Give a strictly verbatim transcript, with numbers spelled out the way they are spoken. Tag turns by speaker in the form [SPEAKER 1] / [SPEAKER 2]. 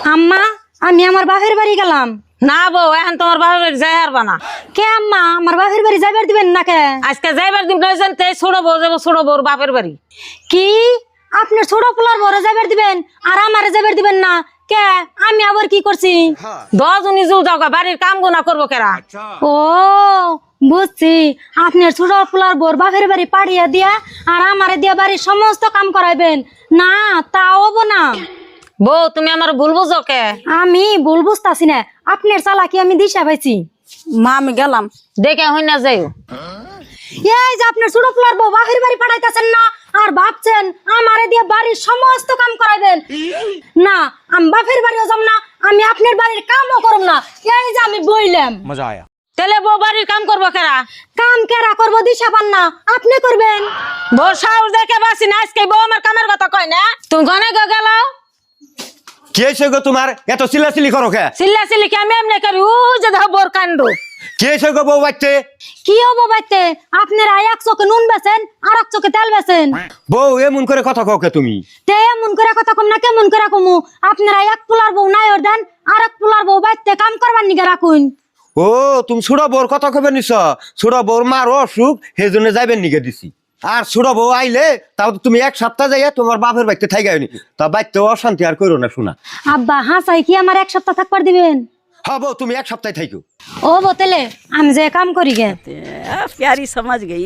[SPEAKER 1] আম্মা আমি আমার বাপের বাড়ি গেলাম।
[SPEAKER 2] না বউ এখন তোমার বাপের বাড়ি যাই হারবা না।
[SPEAKER 1] কে আম্মা আমার বাপের বাড়ি যাইবার দিবেন না কে?
[SPEAKER 2] আজকে যাইবার দিন প্রয়োজন তে ছোট বউ যাবো ছোট বউর বাপের বাড়ি।
[SPEAKER 1] কি আপনার ছোট পোলার বড় যাইবার দিবেন আর আমারে যাইবার দিবেন না কে? আমি আবার কি করছি?
[SPEAKER 2] দশজনই জুল যাও বাড়ির কাম গুনা করবো কেরা?
[SPEAKER 1] ও বুঝছি, আপনার ছোট পোলার বড় বাপের বাড়ি পাড়িয়া দিয়া আর আমারে দিয়া বাড়ির সমস্ত কাম করাইবেন না? তা হবো না।
[SPEAKER 2] বউ তুমি আমার ভুল বুঝো কে?
[SPEAKER 1] আমি ভুল বুঝতাছি না, আপনার চালাকি আমি দিশা পাইছি।
[SPEAKER 2] মা আমি গেলাম, দেখে হই না যাইও।
[SPEAKER 1] এই যে আপনার ছোট পোলার বউ বাপের বাড়ি পাঠাইতেছেন না আর ভাবছেন আমারে দিয়ে বাড়ির সমস্ত কাম করাইবেন না। আমি বাপের বাড়িও যাব না, আমি আপনার বাড়ির কামও করব না। এই যে আমি বইলাম।
[SPEAKER 3] मजा आया।
[SPEAKER 2] তাহলে বউ বাড়ির কাম করবো কেরা?
[SPEAKER 1] কাম কেরা করবো দিশা পান না, আপনি করবেন।
[SPEAKER 2] বউ সাহস দেখে বাসি না, আজকে বউ আমার কামের কথা কয় না। তুমি গনে গো গেল
[SPEAKER 3] কি হয়েছে গো তোমার এত চিল্লাচিল্লি করো কে?
[SPEAKER 2] চিল্লা চিল্লি কি আমি এমনি করি? ও যে দেখো বোর কাণ্ড।
[SPEAKER 3] কি হয়েছে গো বউ বাচ্চে?
[SPEAKER 1] কি হবো বাইতে? আপনারা এক চোখে নুন বেছেন আর এক চোখে তেল বেছেন।
[SPEAKER 3] বউ এমন করে কথা কও কে তুমি?
[SPEAKER 1] তে এমন করে কথা কম না কেমন করে কমু? আপনারা এক পোলার বউ নাই ওর দেন আর এক পোলার বউ বাইতে কাম করবার নিগে রাখুন।
[SPEAKER 3] ও তুমি ছোট বউর কথা কবে নিছ? ছোট বউর মার অসুখ সেই জন্য যাইবেন নিগে দিছি। আর ছোট বউ আইলে তাও তো তুমি এক সপ্তাহ যাইয়া তোমার বাপের বাড়িতে থাইগায়নি, তা বাড়িতে অশান্তি আর করো না শোনা।
[SPEAKER 1] আব্বা হাসাই কি আমার এক সপ্তাহ থাকবার দিবেন?
[SPEAKER 3] হ্যাঁ বউ তুমি এক সপ্তাহ থাইকো।
[SPEAKER 1] ও বোতলে আমি যে কাম করি গে।
[SPEAKER 4] प्यारी समझ गई।